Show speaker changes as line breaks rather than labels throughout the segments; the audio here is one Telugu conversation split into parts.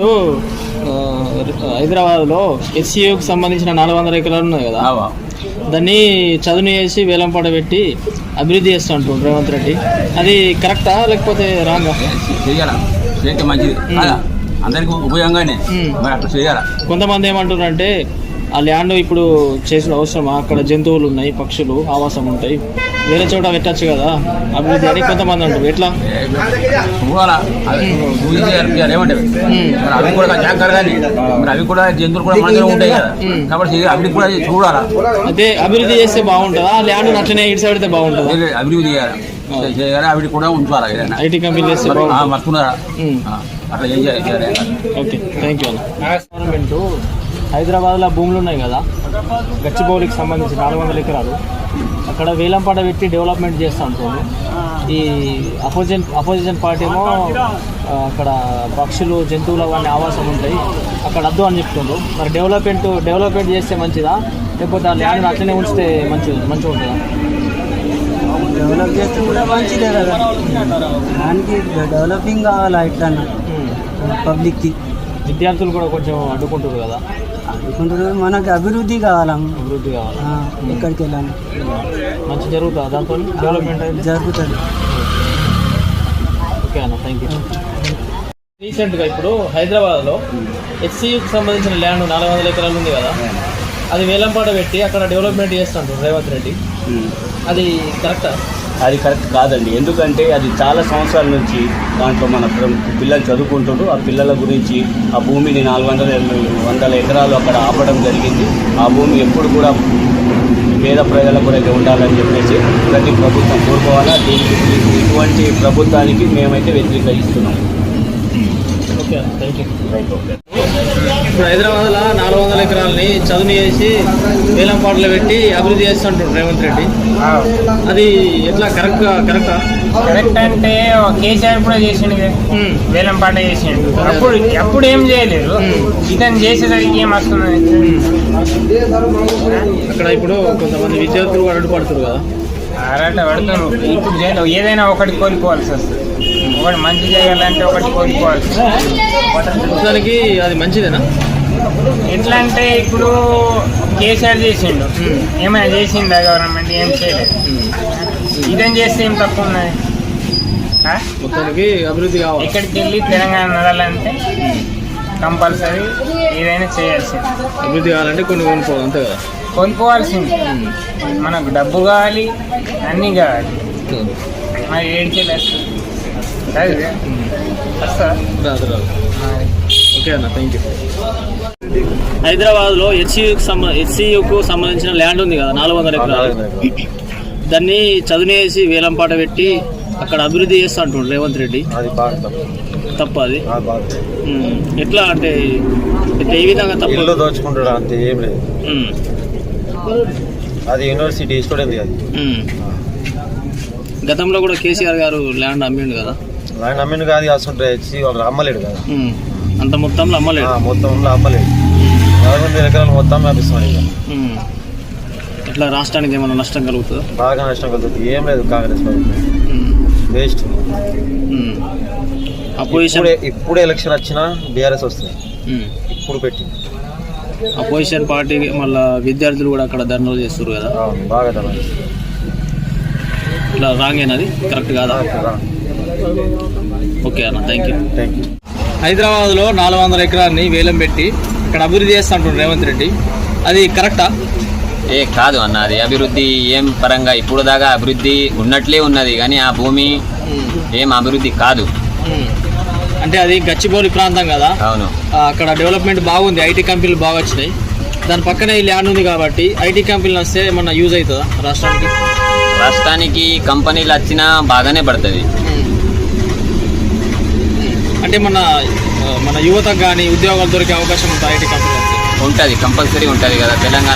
హైదరాబాద్లో ఎస్సీయూకి సంబంధించిన 400 ఎకరాలు ఉన్నాయి కదా, దాన్ని చదును చేసి వేలంపాట పెట్టి అభివృద్ధి చేస్తూ అంటుండ్రు రేవంత్ రెడ్డి. అది కరెక్టా లేకపోతే రాంగా?
చేయాలి, మంచిది, అందరికి ఉపయోగంగానే అట్లా చేయాలి.
కొంతమంది ఏమంటున్నారు అంటే ఆ ల్యాండ్ ఇప్పుడు చేసుడు అవసరమా, అక్కడ జంతువులు ఉన్నాయి, పక్షులు ఆవాసం ఉంటాయి, వేరే చోట పెట్టచ్చు కదా అభివృద్ధి అని కొంతమంది అంటారు. ఎట్లా
ఏమంటే అవి కూడా జాగ్రత్త, అవి కూడా జంతువులు కూడా మన ఉంటాయి కదా, కాబట్టి అవి కూడా చూడాలా.
అయితే అభివృద్ధి చేస్తే బాగుంటుందా, ల్యాండ్ అట్లనే ఇటు సైడ్ అయితే బాగుంటుందా?
అభివృద్ధి చేయాలి, అవి కూడా ఉంచాలి.
ఐటీ కంపెనీ చేస్తే
మర్చుకున్నారా అట్లా చేయాలి.
ఓకే, థ్యాంక్ యూ అన్న. గవర్నమెంట్ హైదరాబాద్లో భూములు ఉన్నాయి కదా, గచ్చిబౌలికి సంబంధించి 400 ఎకరాలు, అక్కడ వేలంపాట పెట్టి డెవలప్మెంట్ చేస్తూ ఉంటుంది. ఈ అపోజిషన్ పార్టీ ఏమో అక్కడ పక్షులు జంతువులు అవన్నీ ఆవాసం ఉంటాయి, అక్కడ వద్దు అని చెప్తుండ్రు. మరి డెవలప్మెంట్ చేస్తే మంచిదా, లేకపోతే ఆ ల్యాండ్ అట్లనే ఉంచితే మంచిగా ఉంటుందా?
డెవలప్ చేస్తే కూడా మంచిదే కదా, దానికి డెవలపింగ్ కావాలా ఇట్లా పబ్లిక్కి.
విద్యార్థులు కూడా కొంచెం అడ్డుకుంటారు కదా,
అడ్డుకుంటారు. మనకి అభివృద్ధి కావాలా, ఎక్కడికి వెళ్ళాలి,
మంచి జరుగుతుందా దాంతో డెవలప్మెంట్ అయితే?
జరుగుతుంది.
ఓకే అన్న, థ్యాంక్ యూ. రీసెంట్గా ఇప్పుడు హైదరాబాద్లో హెచ్సియుకి సంబంధించిన ల్యాండ్ 400 ఎకరాలు ఉంది కదా, అది వేలంపాట పెట్టి అక్కడ డెవలప్మెంట్ చేస్తుంటారు రేవంత్ రెడ్డి. అది కరెక్టా?
అది కరెక్ట్ కాదండి. ఎందుకంటే అది చాలా సంవత్సరాల నుంచి దాంట్లో మన పిల్లలు చదువుకుంటారు. ఆ పిల్లల గురించి ఆ భూమిని 400 ఎకరాలు అక్కడ ఆపడం జరిగింది. ఆ భూమి ఎప్పుడు కూడా పేద ప్రజల కొరకు ఉండాలని చెప్పేసి ప్రతి ప్రభుత్వం కోరుకోవాలా. దీనికి ఇటువంటి ప్రభుత్వానికి మేమైతే వ్యతిరేకిస్తున్నాం.
Okay, thank you. ఇప్పుడు హైదరాబాద్లో 400 ఎకరాలని చదును చేసి వేలంపాటలు పెట్టి అభివృద్ధి చేస్తుంటారు రేవంత్ రెడ్డి. అది ఎట్లా కరెక్టా?
కరెక్ట్ అంటే కేసీఆర్ కూడా చేసిండు, వేలంపాట చేసిండు. అప్పుడు ఏం చేయలేదు, ఇతను చేసేసరికి ఏం వస్తుంది.
అక్కడ ఇప్పుడు కొంతమంది విద్యార్థులు అడ్డుపడుతున్నారు కదా,
అరట పడుతున్నారు. ఇప్పుడు ఏదైనా ఒకటి కోల్పోవాల్సి వస్తుంది. ఒకటి మంచి చేయాలంటే ఒకటి కోల్పోవాల్సి
వస్తుంది. అది మంచిదేనా?
ఎట్లా అంటే ఇప్పుడు కేసీఆర్ చేసిండు, ఏమైనా చేసిందా గవర్నమెంట్? ఏం చేయలేదు. ఇదేం చేస్తే ఏం తక్కువ ఉన్నది?
మొత్తానికి అభివృద్ధి కావాలి.
ఎక్కడికి వెళ్ళి తెలంగాణ నడాలంటే కంపల్సరీ ఏదైనా చేయాల్సింది.
అభివృద్ధి కావాలంటే కొన్ని కొనుక్కోవాలి, అంతే కదా?
కొనుక్కోవాల్సింది. మనకు డబ్బు కావాలి, అన్నీ కావాలి. మరి ఏడికెళ్ళి
ఓకే అన్న, థ్యాంక్ యూ. హైదరాబాద్లో హెచ్సియుకు సంబంధించిన ల్యాండ్ ఉంది కదా 400 ఎకరాలు, దాన్ని చదును చేసి వేలంపాట పెట్టి అక్కడ అభివృద్ధి చేస్తా అంటుండ్రు రేవంత్ రెడ్డి.
అది బాగా
తప్ప అది ఎట్లా అంటే ఏ విధంగా తప్పు?
దోచుకుంటాడు అంతే, ఏం లేదు. అది యూనివర్సిటీ స్టూడెంట్ అది.
గతంలో కూడా కేసీఆర్ గారు ల్యాండ్ అమ్మిండు కదా.
ల్యాండ్ అమ్మిండు కాదు, అసలు హెచ్సి వాళ్ళు అమ్మలేడు కదా,
అంత మొత్తంలో అమ్మలేడు.
మొత్తంలో అమ్మలేడు. 400 ఎకరాలు మొత్తం వ్యాపిస్తున్నాడు. ఇక
ఇట్లా రాష్ట్రానికి ఏమైనా నష్టం కలుగుతుందా?
బాగా నష్టం కలుగుతుంది. ఏం లేదు, కాంగ్రెస్ వేస్ట్. ఇప్పుడు ఎలక్షన్ వచ్చినా బీఆర్ఎస్ వస్తుంది. ఇప్పుడు పెట్టి
అపోజిషన్ పార్టీ మళ్ళీ విద్యార్థులు కూడా అక్కడ ధర్నాలు చేస్తారు కదా,
బాగా ధర్నా.
ఇట్లా రాంగేనది కరెక్ట్ కాదా? ఓకే అన్న, థ్యాంక్ యూ. హైదరాబాద్లో 400 ఎకరాన్ని వేలం పెట్టి ఇక్కడ అభివృద్ధి చేస్తా అంటున్నారు రేవంత్ రెడ్డి. అది కరెక్టా?
కాదు అన్న, అది అభివృద్ధి ఏం పరంగా ఇప్పుడు దాకా అభివృద్ధి ఉన్నట్లే ఉన్నది, కానీ ఆ భూమి ఏం అభివృద్ధి కాదు.
అంటే అది గచ్చిబౌలి ప్రాంతం కదా,
అవును,
అక్కడ డెవలప్మెంట్ బాగుంది, ఐటీ కంపెనీలు బాగా వచ్చినాయి. దాని పక్కనే ఈ ల్యాండ్ ఉంది కాబట్టి ఐటీ కంపెనీలు వస్తే ఏమన్నా యూజ్ అవుతుందా రాష్ట్రానికి?
రాష్ట్రానికి కంపెనీలు వచ్చినా బాగానే పడుతుంది.
అంటే మన యువతకు కానీ ఉద్యోగాలు దొరికే అవకాశం ఉంటుంది ఐటీ కంపెనీలు వస్తే?
ఉంటుంది, కంపల్సరీ ఉంటుంది కదా తెలంగాణ.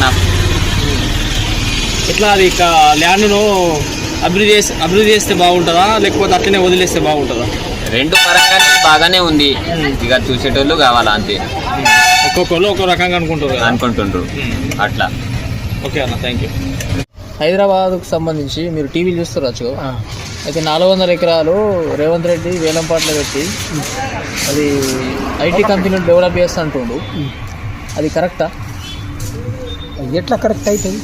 ఎట్లా అది ల్యాండ్ను అభివృద్ధి చేస్తే బాగుంటుందా, లేకపోతే అట్లనే వదిలేస్తే బాగుంటుందా?
రెండు పరంగా బాగానే ఉంది, ఇక చూసేటోళ్ళు కావాలా అంతే.
ఒక్కొక్కరు ఒక్కో రకంగా అనుకుంటుండ్రు
అట్లా.
ఓకే అన్న, థ్యాంక్ యూ. హైదరాబాద్కు సంబంధించి మీరు టీవీలు చూస్తారు. అయితే 400 ఎకరాలు రేవంత్ రెడ్డి వేలంపాట్లో పెట్టి అది ఐటీ కంపెనీలు డెవలప్ చేస్తా అంటుండు. అది కరెక్టా?
ఎట్లా కరెక్ట్ అవుతుంది?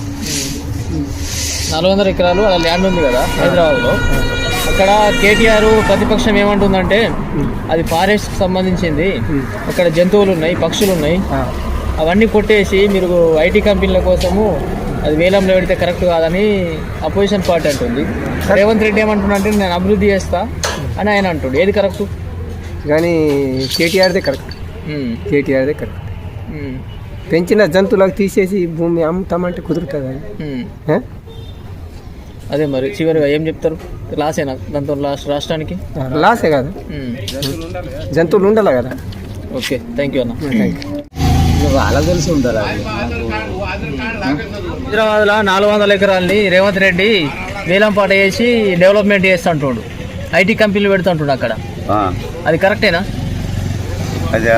400 ఎకరాలు అలా ల్యాండ్ ఉంది కదా హైదరాబాద్లో. అక్కడ కేటీఆర్ ప్రతిపక్షం ఏమంటుందంటే అది ఫారెస్ట్కి సంబంధించింది, అక్కడ జంతువులు ఉన్నాయి, పక్షులు ఉన్నాయి, అవన్నీ కొట్టేసి మీరు ఐటీ కంపెనీల కోసము అది వేలంలో పెడితే కరెక్ట్ కాదని అపోజిషన్ పార్టీ అంటుంది. రేవంత్ రెడ్డి ఏమంటున్నాడంటే నేను అభివృద్ధి చేస్తా అని ఆయన అంటుండు. ఏది కరెక్ట్?
కానీ కేటీఆర్దే కరెక్ట్. కేటీఆర్దే కరెక్ట్. పెంచిన జంతువులకు తీసేసి భూమి అమ్ముతామంటే కుదురుతుంది అది.
అదే మరి చివరిగా ఏం చెప్తారు? లాసేనా దాంతో రాష్ట్రానికి?
లాసే కదా, జంతువులు ఉండాలి కదా.
ఓకే, థ్యాంక్ యూ అన్న.
వాళ్ళకి తెలిసి ఉంటారా?
హైదరాబాద్లో 400 ఎకరాలని రేవంత్ రెడ్డి వేలంపాట చేసి డెవలప్మెంట్ చేస్తా అంటుండు, ఐటీ కంపెనీలు పెడుతుంటుండు అక్కడ. అది కరెక్టేనా?
అదే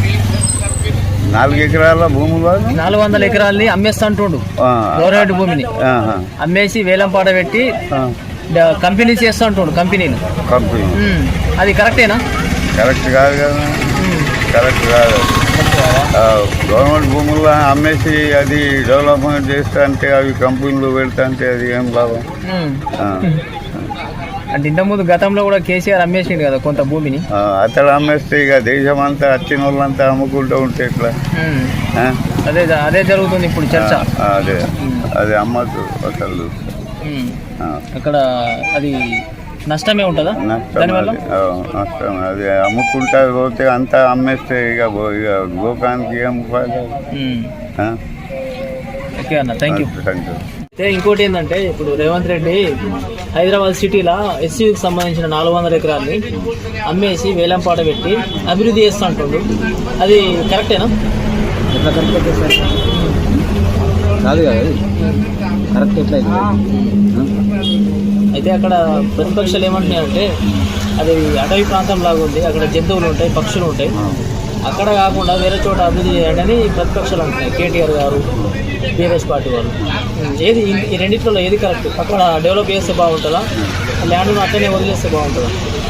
4 ఎకరాల భూములు
400 ఎకరాలని అమ్మేస్తా అంటుండు. గవర్నమెంట్ భూమిని అమ్మేసి వేలంపాట పెట్టి కంపెనీస్ చేస్తా అంటుండు, కంపెనీలు. అది కరెక్టేనా?
కరెక్ట్ కాదు కదా, కరెక్ట్ కాదు. గవర్నమెంట్ భూముల్లో అమ్మేసి అది డెవలప్మెంట్ చేస్తా అంటే అవి కంపెనీలు పెడతా అంటే అది ఏం లాభం?
అంటే ఇంతకుముందు గతంలో కూడా కేసీఆర్ అమ్మేసిండు కదా కొంత భూమిని.
అతడు అమ్మేస్తే ఇక దేశం అంతా వచ్చిన వాళ్ళంతా అమ్ముకుంటూ ఉంటే ఎట్లా?
అదే అదే జరుగుతుంది ఇప్పుడు చర్చ.
అదే అదే అమ్మద్దు అసలు.
అక్కడ అది నష్టమే ఉంటుందా?
నష్టం. అది అమ్ముకుంటా పోతే అంతా అమ్మేస్తే ఇక గోకానికి ఏం
ఓకే అన్న, థ్యాంక్ యూ. అయితే ఇంకోటి ఏంటంటే ఇప్పుడు రేవంత్ రెడ్డి హైదరాబాద్ సిటీలో ఎస్సీకి సంబంధించిన 400 ఎకరాలని అమ్మేసి వేలంపాట పెట్టి అభివృద్ధి చేస్తూ అంటుండు. అది కరెక్టేనా?
ఎట్లా కరెక్ట్ అయితే కాదు కదా, కరెక్ట్ ఎట్లా
అయితే అక్కడ ప్రతిపక్షాలు ఏమంటున్నాయంటే అది అటవీ ప్రాంతం లాగా ఉంది, అక్కడ జంతువులు ఉంటాయి, పక్షులు ఉంటాయి, అక్కడ కాకుండా వేరే చోట అభివృద్ధి చేయండి అని ప్రతిపక్షాలు అంటున్నాయి. కేటీఆర్ గారు, బీఆర్ఎస్ పార్టీ వాళ్ళు. ఏది ఈ రెండింటిలో ఏది కరెక్ట్? అక్కడ డెవలప్ చేస్తే బాగుంటుందా, ల్యాండ్ను అట్లనే వదిలేస్తే బాగుంటుందా?